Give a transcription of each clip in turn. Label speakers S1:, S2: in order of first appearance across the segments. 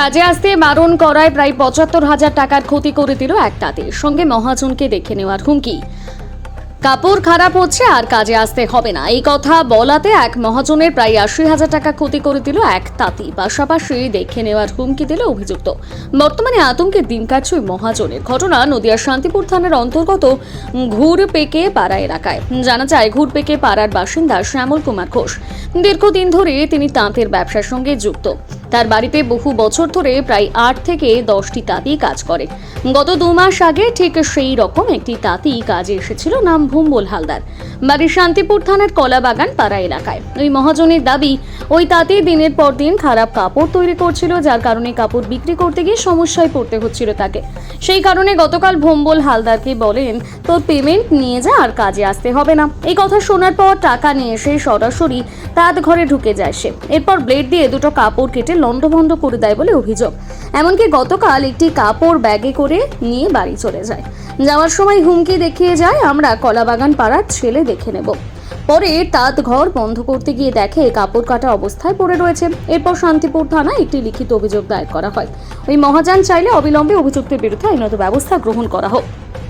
S1: কাজে আসতে বারণ করায় প্রায় ৭৫,০০০ টাকার ক্ষতি করে দিল এক তাঁতি। সঙ্গে মহাজনকে দেখে নেওয়ার হুমকি। কাপড় খারাপ হচ্ছে আর কাজে আসতে হবে না, এই কথা বলাতে এক মহাজনের প্রায় ৮০,০০০ টাকা ক্ষতি করে দিল এক তাঁতি। পাশাপাশি দেখে নেওয়ার হুমকি দিল অভিযুক্ত। বর্তমানে আতঙ্কের দিন কাটছে ওই মহাজনের। ঘটনা নদিয়ার শান্তিপুর থানার অন্তর্গত ঘুরপেকে পাড়া এলাকায়। জানা যায়, ঘুরপেকে পাড়ার বাসিন্দা শ্যামল কুমার ঘোষ। দীর্ঘদিন ধরে তিনি তাঁতের ব্যবসার সঙ্গে যুক্ত। তার বাড়িতে বহু বছর ধরে প্রায় ৮ থেকে ১০টি তাঁতি কাজ করে। গত ২ মাস আগে ঠিক সেই রকম একটি তাঁতি কাজে এসেছিল, নাম ভুম্বল হালদার, বাড়ি শান্তিপুর থানার কলাবাগান পাড়া এলাকায়। ওই মহাজনের দাবি, ওই তাঁতি দিনের পর দিন খারাপ কাপড় তৈরি করছিল, যার কারণে কাপড় বিক্রি করতে গিয়ে সমস্যায় পড়তে হচ্ছিল তাকে। সেই কারণে গতকাল ভুম্বল হালদারকে বলেন, তোর পেমেন্ট নিয়ে যা, আর কাজে আসতে হবে না। এই কথা শোনার পর টাকা নিয়ে এসে সরাসরি তাঁত ঘরে ঢুকে যায় সে। এরপর ব্লেড দিয়ে দুটো কাপড় কেটে লন্ডভন্ড করে দেয় বলে অভিযোগ। এমনকি গতকাল একটি কাপড় ব্যাগে করে নিয়ে বাড়ি চলে যায়। যাওয়ার সময় হুমকি দেখিয়ে যায়, আমরা কলাবাগান পাড়ার ছেলে দেখে নেব। পরে তাঁত ঘর বন্ধ করতে গিয়ে দেখে কাপড় কাটা অবস্থায় পড়ে রয়েছে। এরপর শান্তিপুর থানায় একটি লিখিত অভিযোগ দায়ের করা হয়। ওই মহাজন চাইলে অবিলম্বে অভিযুক্তের বিরুদ্ধে আইনত ব্যবস্থা গ্রহণ করা হোক।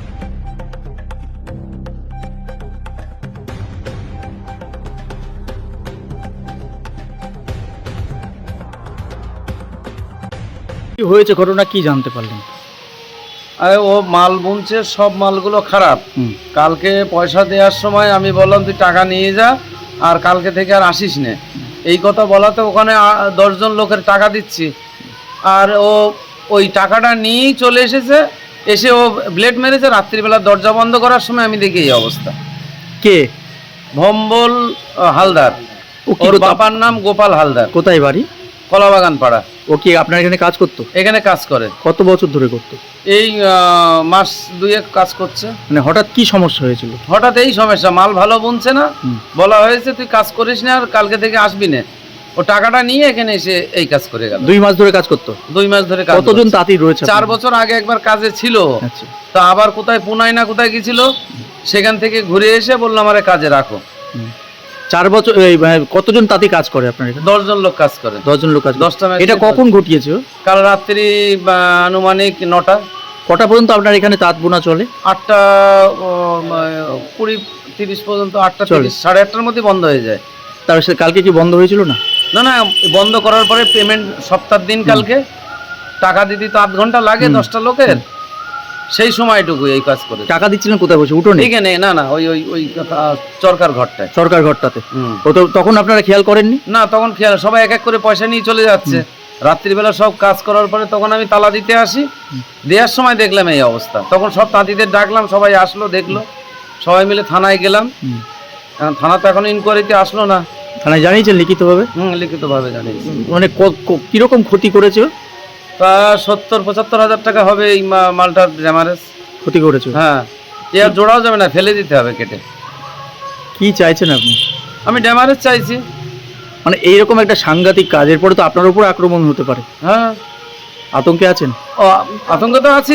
S2: কি হয়েছে, ঘটনা কি জানতে পারলেন?
S3: আরে ও মাল বুনছে, সব মালগুলো খারাপ। কালকে পয়সা দেওয়ার সময় আমি বললাম তুই টাকা নিয়ে যা, আর কালকে থেকে আর আসিস নে। এই কথা বলাতে ওখানে 10 জন লোকের টাকা দিচ্ছি, আর ও ওই টাকাটা নিয়েই চলে এসেছে। এসে ও ব্লেড মেরেছে। রাত্রিবেলা দরজা বন্ধ করার সময় আমি দেখি এই অবস্থা।
S2: কে?
S3: ভম্বল হালদার। ওর বাবার নাম গোপাল হালদার।
S2: কোথায় বাড়ি?
S3: কলাবাগান পাড়া।
S2: ও কি আপনার এখানে কাজ করতো?
S3: এখানে কাজ করে।
S2: কত বছর ধরে করতো?
S3: এই মাস 2 কাজ করছে।
S2: মানে হঠাৎ কি সমস্যা হয়েছিল?
S3: হঠাৎ এই সমস্যা, মাল ভালো বুনছে না। বলা হয়েছে তুই কাজ করিস না, আর কালকে থেকে আসবি না। ও টাকাটা নিয়ে এখানে এসে এই কাজ করে গেল।
S2: 2 মাস ধরে কাজ করতো?
S3: 2 মাস ধরে কাজ।
S2: কতজন তাঁতি রয়েছে?
S3: 4 বছর আগে একবার কাজে ছিল।
S2: আচ্ছা।
S3: তা আবার কোথায় পুনাই না কোথায় গেছিল, সেখান থেকে ঘুরে এসে বললাম আমারে কাজে রাখো।
S2: 4 বছর। কতজন তাঁতি কাজ করে আপনার এখানে?
S3: 10 জন লোক কাজ করে।
S2: 10 জন লোক কাজ।
S3: 10টা ম্যাচ।
S2: এটা কখন ঘটিয়েছে?
S3: কাল রাত্রি আনুমানিক 9টা।
S2: কটা পর্যন্ত আপনার এখানে তাঁত বোনা চলে?
S3: 8টা 20-30 পর্যন্ত। 8টা 30, 8:30টার মধ্যে বন্ধ হয়ে যায়।
S2: তার সাথে কালকে কি বন্ধ হয়েছিল না?
S3: না না, বন্ধ করার পরে পেমেন্ট সপ্তাহের দিন কালকে টাকা দিতে তো 8 ঘন্টা লাগে 10টা লোকের। সেই সময়টুকু এই কাজ করে।
S2: টাকা দিচ্ছিলেন কোথায় বসে? উঠোনে?
S3: এখানে না না, ওই ওই ওই চরকার ঘরটায়।
S2: সরকার ঘরটাতে? ও তো তখন আপনারা খেয়াল করেননি?
S3: না, তখন খেয়াল, সবাই এক এক করে পয়সা নিয়ে চলে যাচ্ছে। রাত্রিবেলা সব কাজ করার পরে তখন আমি তালা দিতে আসি। দেওয়ার সময় দেখলাম এই অবস্থা। তখন সব তাঁতিদের ডাকলাম, সবাই আসলো, দেখলো। সবাই মিলে থানায় গেলাম। থানা তো এখন ইনকোয়ারিতে আসলো না।
S2: থানায় জানিয়েছেন লিখিতভাবে?
S3: লিখিতভাবে জানিয়েছি।
S2: মানে কিরকম ক্ষতি করেছে?
S3: তা 70-75 হাজার টাকা হবে এই মালটার ড্যামারেজ।
S2: ক্ষতি করেছে?
S3: হ্যাঁ, এ আর জোড়াও যাবে না, ফেলে দিতে হবে কেটে।
S2: কি চাইছেন আপনি?
S3: আমি ড্যামারেজ চাইছি।
S2: মানে এইরকম একটা সাংঘাতিক কাজের পরে তো আপনার উপর আক্রমণ হতে পারে।
S3: হ্যাঁ,
S2: আতঙ্কে আছেন?
S3: ও আতঙ্ক তো আছি।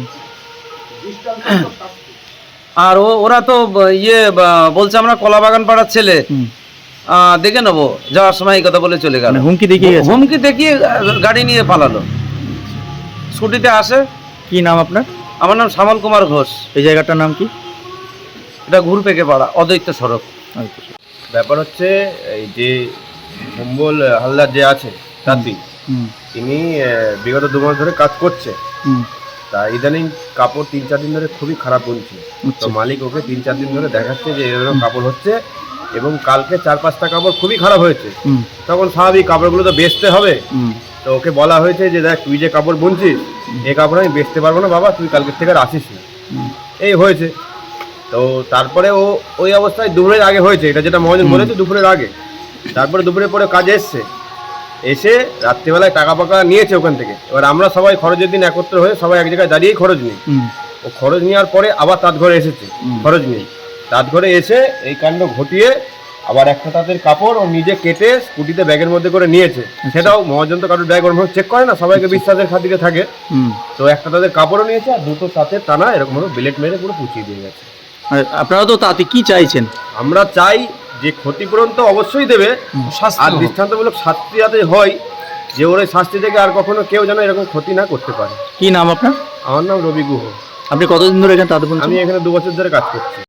S3: আর ওরা তো বলছে আমরা কলাবাগান পাড়ার ছেলে, দেখে নেবো। যাওয়ার সময় এই কথা বলে চলে গেল।
S2: হুমকি দেখিয়ে গেছে?
S3: হুমকি দেখিয়ে গাড়ি নিয়ে পালালো। স্কুটিতে আসে।
S2: কি নাম আপনার?
S3: আমার নাম শ্যামল কুমার ঘোষ।
S2: এই জায়গাটার নাম কি?
S3: এটা ঘুরপেকে পাড়া, অদ্বৈত সড়ক।
S4: ব্যাপার হচ্ছে এই যে ভুম্বল হালদার যে আছে তাঁতি, তিনি বিগত 2 মাস ধরে কাজ করছে। তা ইদানিং কাপড় 3-4 দিন ধরে খুবই খারাপ বুনছে। তো মালিক ওকে 3-4 দিন ধরে দেখাচ্ছে যে এরকম কাপড় হচ্ছে, এবং কালকে 4-5টা কাপড় খুবই খারাপ হয়েছে। তখন স্বাভাবিক, কাপড়গুলো তো বেচতে হবে। তো ওকে বলা হয়েছে যে দেখ, তুই যে কাপড় বুনছিস, এই কাপড় আমি বেচতে পারবো না বাবা, তুই কালকের থেকে আর আসিস না। এই হয়েছে। তো তারপরে ও ওই অবস্থায় দুপুরের আগে হয়েছে, এটা যেটা মহাজন বলেছে, দুপুরের আগে। তারপরে দুপুরের পরে কাজে এসে রাত্রিবেলায় টাকা পাকা নিয়েছে ওখান থেকে। এবার আমরা সবাই খরচের দিন একত্র হয়ে সবাই এক জায়গায় দাঁড়িয়েই খরচ নিই। ও খরচ নেওয়ার পরে আবার তাঁত ঘরে এসেছে, খরচ নিয়ে। তাঁত ঘরে এসে এই কাণ্ড ঘটিয়ে আবার একটা তাঁতের কাপড় ও নিজে কেটে স্কুটিতে ব্যাগের মধ্যে করে নিয়েছে। সেটাও মহাজন তো কারোর ব্যাগ ওরকম চেক করে না, সবাইকে বিশ্বাসের খাতিরে থাকে। তো একটা তাঁতের কাপড়ও নিয়েছে, আর 2টো তাঁতের টানা এরকমভাবে বিলেট মেরে পুরো পুচিয়ে দিয়ে গেছে।
S2: আপনারা তো তাতে কি চাইছেন?
S4: আমরা চাই যে ক্ষতিপূরণ তো অবশ্যই দেবে, আর দৃষ্টান্তমূলক শাস্তি যাতে হয় যে ওর এই শাস্তি থেকে আর কখনো কেউ যেন এরকম ক্ষতি না করতে পারে।
S2: কি নাম আপনার?
S4: আমার নাম রবি গুহ।
S2: আপনি কতদিন ধরে এখানে তাঁত বুনছেন?
S4: আমি এখানে 2 বছর ধরে কাজ করছি।